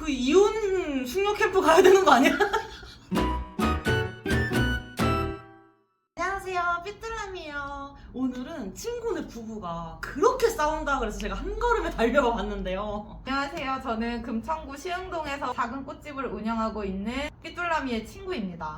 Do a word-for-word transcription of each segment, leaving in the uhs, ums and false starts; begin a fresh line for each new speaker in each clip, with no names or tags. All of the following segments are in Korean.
그 이혼 숙녀 캠프 가야 되는 거 아니야? 안녕하세요, 삐뚤람이에요. 오늘은 친구네 부부가 그렇게 싸운다 그래서 제가 한 걸음에 달려가 봤는데요.
안녕하세요. 저는 금천구 시흥동에서 작은 꽃집을 운영하고 있는 삐뚤라미의 친구입니다.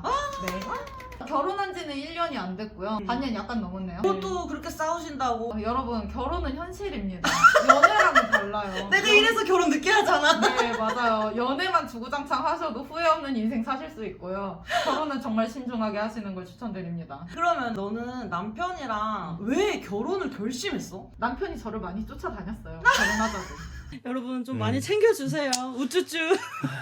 네. 결혼한 지는 일 년이 안 됐고요. 반년 약간 넘었네요.
그것도 그렇게 싸우신다고.
어, 여러분, 결혼은 현실입니다. 연애랑은 달라요.
내가 이래서 결혼 늦게 하잖아.
네, 맞아요. 연애만 주구장창 하셔도 후회 없는 인생 사실 수 있고요. 결혼은 정말 신중하게 하시는 걸 추천드립니다.
그러면 너는 남편이랑 왜 결혼을 결심했어?
남편이 저를 많이 쫓아다녔어요. 결혼하자고.
여러분 좀
음.
많이 챙겨주세요. 우쭈쭈.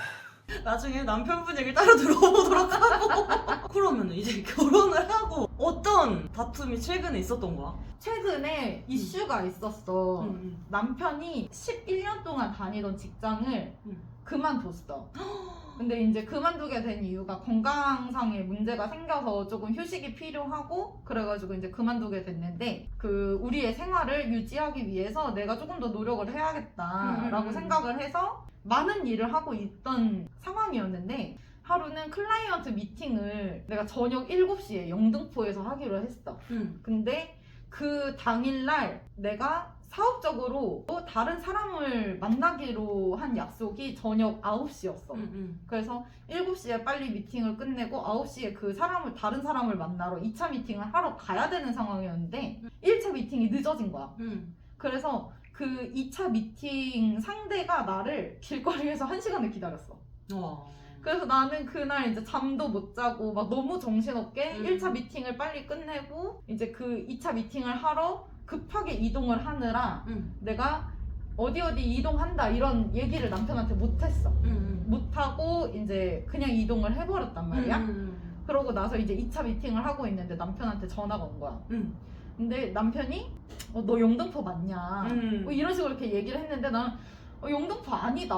나중에 남편분 얘기를 따로 들어보도록 하고. 그러면 이제 결혼을 하고 어떤 다툼이 최근에 있었던 거야?
최근에 이슈가 있었어.
응,
남편이 십일 년 동안 다니던 직장을
응.
그만뒀어. 근데 이제 그만두게 된 이유가 건강상의 문제가 생겨서 조금 휴식이 필요하고 그래가지고 이제 그만두게 됐는데 그 우리의 생활을 유지하기 위해서 내가 조금 더 노력을 해야겠다라고
음.
생각을 해서 많은 일을 하고 있던 상황이었는데 하루는 클라이언트 미팅을 내가 저녁 일곱 시에 영등포에서 하기로 했어.
응.
근데 그 당일날 내가 사업적으로 또 다른 사람을 만나기로 한 약속이 저녁 아홉 시였어.
응, 응.
그래서 일곱 시에 빨리 미팅을 끝내고 아홉 시에 그 사람을, 다른 사람을 만나러 이 차 미팅을 하러 가야 되는 상황이었는데 일 차 미팅이 늦어진 거야.
응.
그래서 그 이 차 미팅 상대가 나를 길거리에서 한 시간을 기다렸어.
와.
그래서 나는 그날 이제 잠도 못 자고 막 너무 정신없게
음.
일 차 미팅을 빨리 끝내고 이제 그 이 차 미팅을 하러 급하게 이동을 하느라
응.
내가 어디 어디 이동한다 이런 얘기를 남편한테 못했어.
응.
못하고 이제 그냥 이동을 해버렸단 말이야.
응.
그러고 나서 이제 이 차 미팅을 하고 있는데 남편한테 전화가 온 거야.
응.
근데 남편이 어, 너 영등포 맞냐?
응.
뭐 이런 식으로 이렇게 얘기를 했는데 나는 어, 영등포 아니다.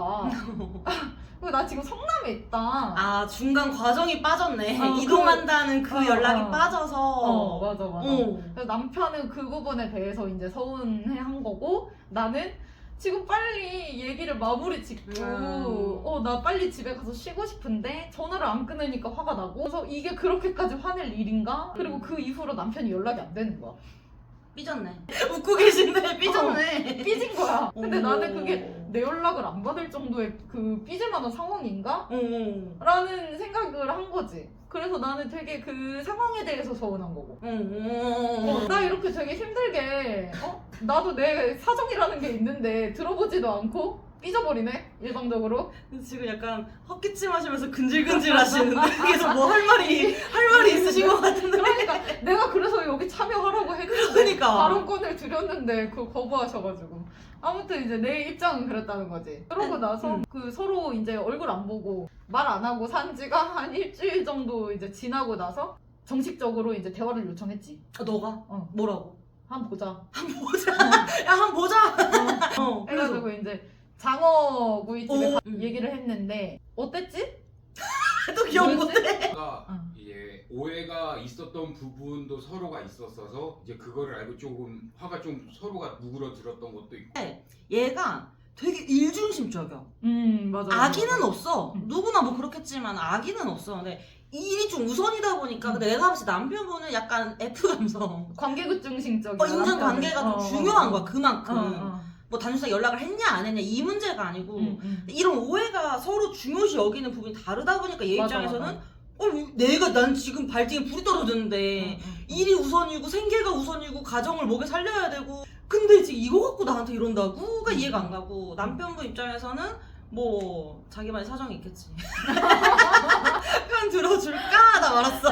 그리고 나 지금 성남에 있다.
아, 중간 과정이 빠졌네.
어,
이동한다는 그,
어,
연락이
어.
빠져서.
어, 맞아, 맞아.
어.
그래서 남편은 그 부분에 대해서 이제 서운해 한 거고, 나는 지금 빨리 얘기를 마무리 짓고,
음.
어, 나 빨리 집에 가서 쉬고 싶은데, 전화를 안 끊으니까 화가 나고, 그래서 이게 그렇게까지 화낼 일인가? 그리고
음.
그 이후로 남편이 연락이 안 되는 거야.
삐졌네. 웃고 계신데 삐졌네.
삐진 거야. 근데
오.
나는 그게 내 연락을 안 받을 정도의 그 삐질 만한 상황인가?
어.
라는 생각을 한 거지. 그래서 나는 되게 그 상황에 대해서 서운한 거고.
어.
어, 나 이렇게 되게 힘들게 어? 나도 내 사정이라는 게 있는데 들어보지도 않고 삐져버리네 일방적으로.
지금 약간 헛기침 하시면서 근질근질 하시는데 그래서 뭐 할 말이 할 말이 있으신 것 같은데.
그러니까 내가 그래서 여기 참여하라고 했는데
그러니까.
발언권을 드렸는데 그걸 거부하셔가지고 아무튼 이제 내 입장은 그랬다는 거지. 그러고 나서
음.
그 서로 이제 얼굴 안 보고 말 안 하고 산 지가 한 일주일 정도 이제 지나고 나서 정식적으로 이제 대화를 요청했지.
아, 너가?
어.
뭐라고?
한번 보자.
한번 보자. 야, 한번 보자. 어. 그래서
해가지고 이제 장어 구이집에
오.
가-
음.
얘기를 했는데 어땠지?
또 기억
뭐였지?
못해.
가
응.
이게 오해가 있었던 부분도 서로가 있었어서 이제 그거를 알고 조금 화가 좀 서로가 누그러들었던 것도 있고.
얘가 되게 일중심적이야.
음 맞아.
악의는 없어.
음.
누구나 뭐 그렇겠지만 악의는 없어. 근데 일이 좀 우선이다 보니까
음.
근데 내가 봤을 때 남편분은 약간 F 감성.
관계급증식적인.
어, 인간관계가 좀 중요한 거야. 그만큼.
어, 어.
뭐 단순히 연락을 했냐 안 했냐 이 문제가 아니고
음, 음.
이런 오해가 서로 중요시 여기는 부분이 다르다 보니까 얘
맞아,
입장에서는
맞아.
어 내가 난 지금 발등에 불이 떨어졌는데
음, 음.
일이 우선이고 생계가 우선이고 가정을 먹여 살려야 되고 근데 지금 이거 갖고 나한테 이런다고가 이해가 안 가고 남편분 입장에서는 뭐 자기만의 사정이 있겠지. 편 들어줄까? 나 말았어.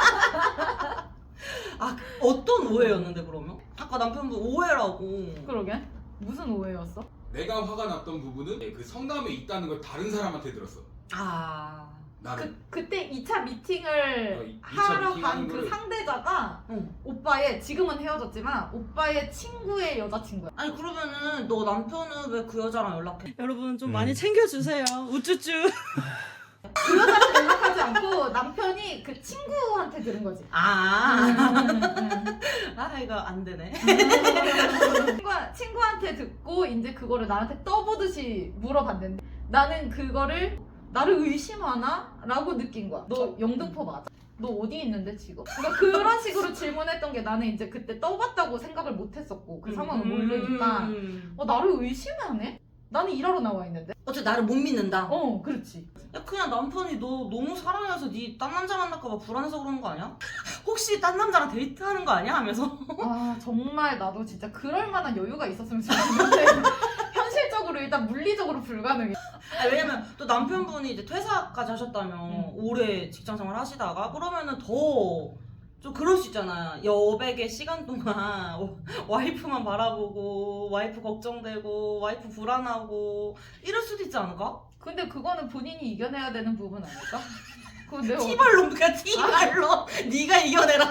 아 어떤 오해였는데 그러면? 아까 남편분 오해라고.
그러게. 무슨 오해였어?
내가 화가 났던 부분은 그 성남에 있다는 걸 다른 사람한테 들었어.
아.
나는.
그 그때 이 차 미팅을
어, 이- 이 차
하러
미팅
간
하는
그
거를-
상대자가
응.
오빠의, 지금은 헤어졌지만 오빠의 친구의 여자친구야.
아니 그러면은 너 남편은 왜 그 여자랑 연락해? 여러분 좀
음.
많이 챙겨주세요. 우쭈쭈.
그 여자한테 연락하지 않고 남편이 그 친구한테 들은 거지.
아.
음, 음.
아 이거 안 되네.
친구, 친구한테 듣고 이제 그거를 나한테 떠보듯이 물어봤는데 나는 그거를 나를 의심하나? 라고 느낀 거야. 너 영등포 맞아? 너 어디 있는데 지금? 그러니까 그런 식으로 질문했던 게 나는 이제 그때 떠봤다고 생각을 못 했었고 그 상황을 모르니까
음.
어 나를 의심하네? 나는 일하러 나와 있는데?
어째 나를 못 믿는다.
어 그렇지.
야, 그냥 남편이 너 너무 사랑해서 네 딴 남자 만날까봐 불안해서 그러는 거 아니야? 혹시 딴 남자랑 데이트하는 거 아니야? 하면서
아 정말 나도 진짜 그럴 만한 여유가 있었으면 좋겠는데 현실적으로 일단 물리적으로 불가능해.
아니, 왜냐면 또 남편분이 이제 퇴사까지 하셨다며
음.
오래 직장생활 하시다가 그러면은 더 좀 그럴 수 있잖아. 여백의 시간 동안 와이프만 바라보고 와이프 걱정되고 와이프 불안하고 이럴 수도 있지 않을까?
근데 그거는 본인이 이겨내야 되는 부분 아닐까? 그거 내가 어떻게-
티발로 그냥 티발로 네가 이겨내라.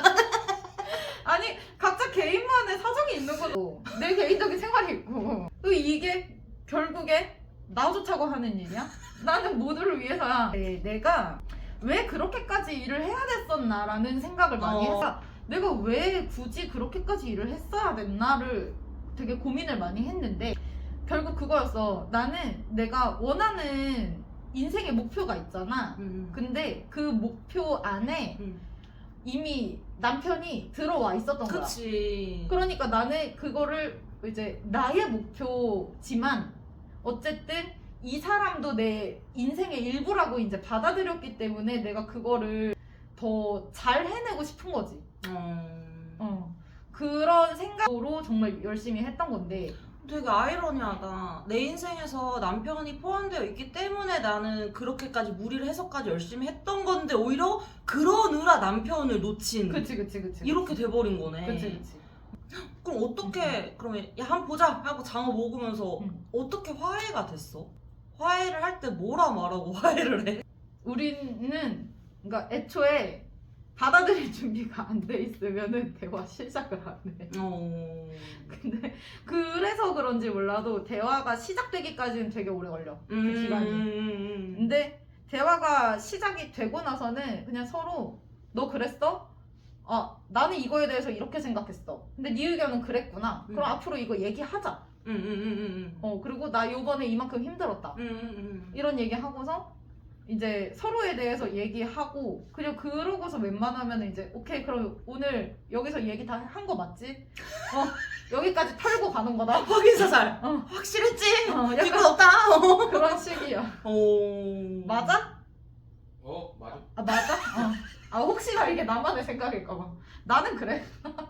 아니 각자 개인만의 사정이 있는 거고 내 개인적인 생활이 있고 또 이게 결국에 나 좋자고 하는 일이야? 나는 모두를 위해서야. 네, 내가 왜 그렇게까지 일을 해야 됐었나라는 생각을 많이
어.
했어. 내가 왜 굳이 그렇게까지 일을 했어야 됐나를 되게 고민을 많이 했는데 결국 그거였어. 나는 내가 원하는 인생의 목표가 있잖아.
음.
근데 그 목표 안에
음.
이미 남편이 들어와 있었던 거야.
그치.
그러니까 나는 그거를 이제 나의 목표지만 어쨌든 이 사람도 내 인생의 일부라고 이제 받아들였기 때문에 내가 그거를 더 잘 해내고 싶은 거지.
어.
어. 그런 생각으로 정말 열심히 했던 건데
되게 아이러니하다. 내 인생에서 남편이 포함되어 있기 때문에 나는 그렇게까지 무리를 해서까지 열심히 했던 건데 오히려 그러느라 남편을 놓친
그치 그치 그치
이렇게 돼버린 거네.
그치 그치
그럼 어떻게 그러면 야 한번 보자 하고 장어 먹으면서
응.
어떻게 화해가 됐어? 화해를 할 때 뭐라 말하고 화해를 해?
우리는 그러니까 애초에 받아들일 준비가 안 돼 있으면은 대화 시작을 안 해.
어.
근데 그래서 그런지 몰라도 대화가 시작되기까지는 되게 오래 걸려. 그 기간이.
음.
근데 대화가 시작이 되고 나서는 그냥 서로 너 그랬어? 아 나는 이거에 대해서 이렇게 생각했어. 근데 네 의견은 그랬구나. 그럼
음.
앞으로 이거 얘기하자.
음, 음, 음, 음.
어 그리고 나 요번에 이만큼 힘들었다.
음, 음, 음.
이런 얘기 하고서 이제 서로에 대해서 얘기하고 그리고 그러고서 웬만하면 이제 오케이 그럼 오늘 여기서 얘기 다 한 거 맞지? 어 여기까지 털고 가는 거다.
확인사살.
어.
확실했지?
어,
뒷끝
약간
없다. 어.
그런 식이야.
오.
맞아?
어 맞아.
아 맞아? 어. 아 혹시나 이게 나만의 생각일까봐. 나는 그래.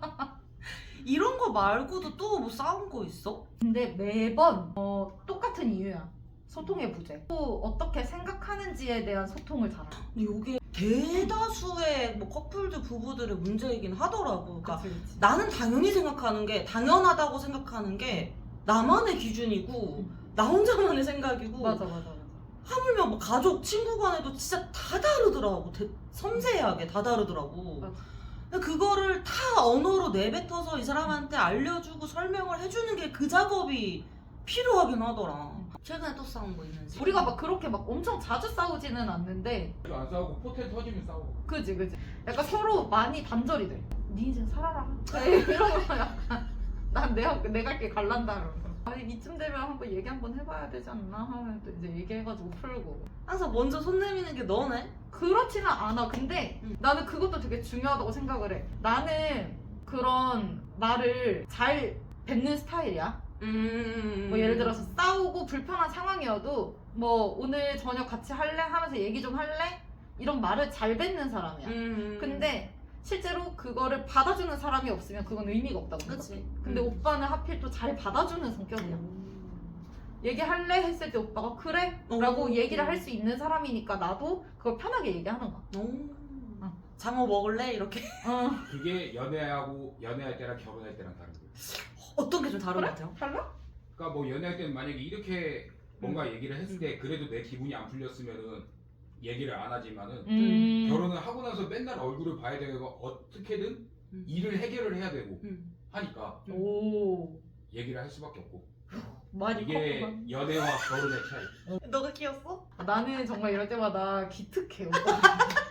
이런 거 말고도 또 뭐 싸운 거 있어?
근데 매번 어, 똑같은 이유야. 소통의 부재. 또 어떻게 생각하는지에 대한 소통을 잘하.
근데 이게 대다수의 뭐 커플들 부부들의 문제이긴 하더라고. 그러니까
그치 그치.
나는 당연히 생각하는 게 당연하다고 생각하는 게 나만의 기준이고 나 혼자만의 생각이고
맞아 맞아 맞아.
하물며 뭐 가족 친구 간에도 진짜 다 다르더라고. 대, 섬세하게 다 다르더라고.
맞아.
근데 그거를 다 언어로 내뱉어서 이 사람한테 알려주고 설명을 해주는 게 그 작업이 필요하긴 하더라. 최근에 또 싸운 거 있는지?
우리가 막 그렇게 막 엄청 자주 싸우지는 않는데
안 싸우고 포텐 터지면 싸우고.
그지 그지. 약간 서로 많이 단절이 돼. 네 인생 살아라. 그래, 이러면 약간 난 내 내 갈 길 갈란다 이러면서. 아니 이쯤 되면 한번 얘기 한번 해봐야 되지 않나 하면 또 이제 얘기해가지고 풀고.
항상 먼저 손 내미는 게 너네?
그렇지는 않아. 근데
음.
나는 그것도 되게 중요하다고 생각을 해. 나는 그런 말을 잘 뱉는 스타일이야.
음.
뭐 예를 들어서 싸우고 불편한 상황이어도 뭐 오늘 저녁 같이 할래? 하면서 얘기 좀 할래? 이런 말을 잘 뱉는 사람이야.
음.
근데 실제로 그거를 받아주는 사람이 없으면 그건 의미가 없다고 생각해.
그치.
근데
음.
오빠는 하필 또 잘 받아주는 성격이야.
음.
얘기할래? 했을 때 오빠가 그래?
어.
라고 얘기를 할 수 있는 사람이니까 나도 그걸 편하게 얘기하는 거야.
오.
어.
장어 먹을래? 이렇게.
어.
그게 연애하고 연애할 때랑 결혼할 때랑 다른 거예요.
어떤 게 좀 다른
그래?
것 같아요?
달라?
그러니까 뭐 연애할 때는 만약에 이렇게 뭔가 얘기를 했을 때 그래도 내 기분이 안 풀렸으면은 얘기를 안 하지만은
음.
결혼을 하고 나서 맨날 얼굴을 봐야 되고 어떻게든
음.
일을 해결을 해야 되고
음.
하니까
오.
얘기를 할 수밖에 없고
많이
이게
컸구만.
연애와 결혼의 차이.
너가 키웠어?
나는 정말 이럴 때마다 기특해. 오빠.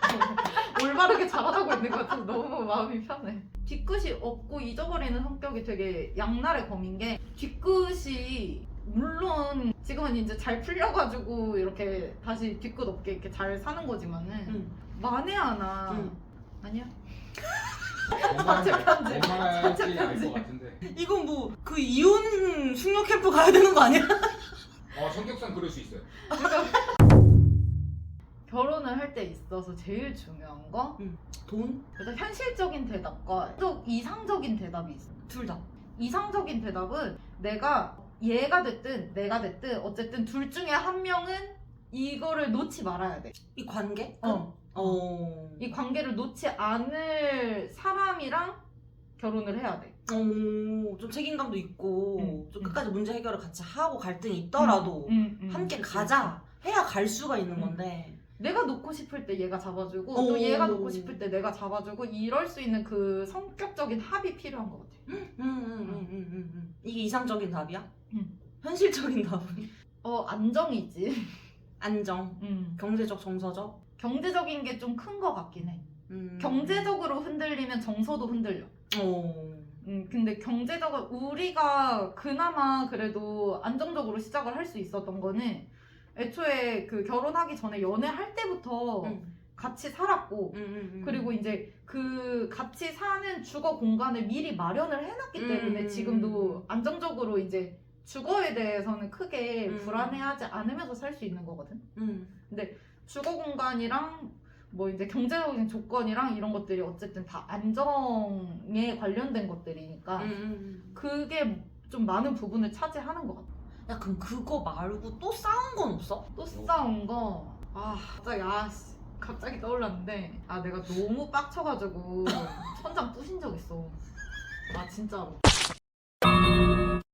올바르게 자라나고 있는 것 같아서 너무 마음이 편해. 뒤끝이 없고 잊어버리는 성격이 되게 양날의 검인 게 뒤끝이 물론 지금은 이제 잘 풀려가지고 이렇게 다시 뒤끝 없게 이렇게 잘 사는 거지만은
응.
만에 하나
응.
아니야?
웬만하면
편집.
웬만하지
자체
알
편집.
것 같은데.
이건 뭐 그 이혼 숙녀 캠프 가야 되는 거 아니야?
어 성격상 그럴 수 있어요.
결혼을 할 때 있어서 제일 중요한 거
돈?
일단 현실적인 대답과 또 이상적인 대답이 있어.
둘 다.
이상적인 대답은 내가 얘가 됐든 내가 됐든 어쨌든 둘 중에 한 명은 이거를 놓지 말아야 돼.
이 관계?
어.
어.
이 관계를 놓지 않을 사람이랑 결혼을 해야 돼.
어, 좀 책임감도 있고
응,
좀
응.
끝까지 문제 해결을 같이 하고 갈등이 있더라도
음, 음,
함께
그치,
가자 해야 갈 수가 있는
응.
건데
내가 놓고 싶을 때 얘가 잡아주고
오.
또 얘가 놓고 싶을 때 내가 잡아주고 이럴 수 있는 그 성격적인 합이 필요한 것 같아.
음, 음, 음, 음, 음, 음. 이게 이상적인 답이야?
응.
현실적인 답은?
어 안정이지.
안정,
음.
경제적, 정서적.
경제적인 게 좀 큰 것 같긴 해.
음.
경제적으로 흔들리면 정서도 흔들려.
어.
음, 근데 경제적으로 우리가 그나마 그래도 안정적으로 시작을 할 수 있었던 거는 애초에 그 결혼하기 전에 연애할 때부터
음,
같이 살았고
음, 음, 음.
그리고 이제 그 같이 사는 주거 공간을 미리 마련을 해놨기 때문에
음.
지금도 안정적으로 이제 주거에 대해서는 크게
음.
불안해하지 않으면서 살 수 있는 거거든.
음.
주거 공간이랑 뭐 이제 경제적인 조건이랑 이런 것들이 어쨌든 다 안정에 관련된 것들이니까
음, 음.
그게 좀 많은 부분을 차지하는 것 같아.
야 그럼 그거 말고 또 싸운 건 없어?
또 싸운 거, 아 갑자기 아 씨, 갑자기 떠올랐는데 아 내가 너무 빡쳐가지고 천장 부신 적 있어. 아 진짜로.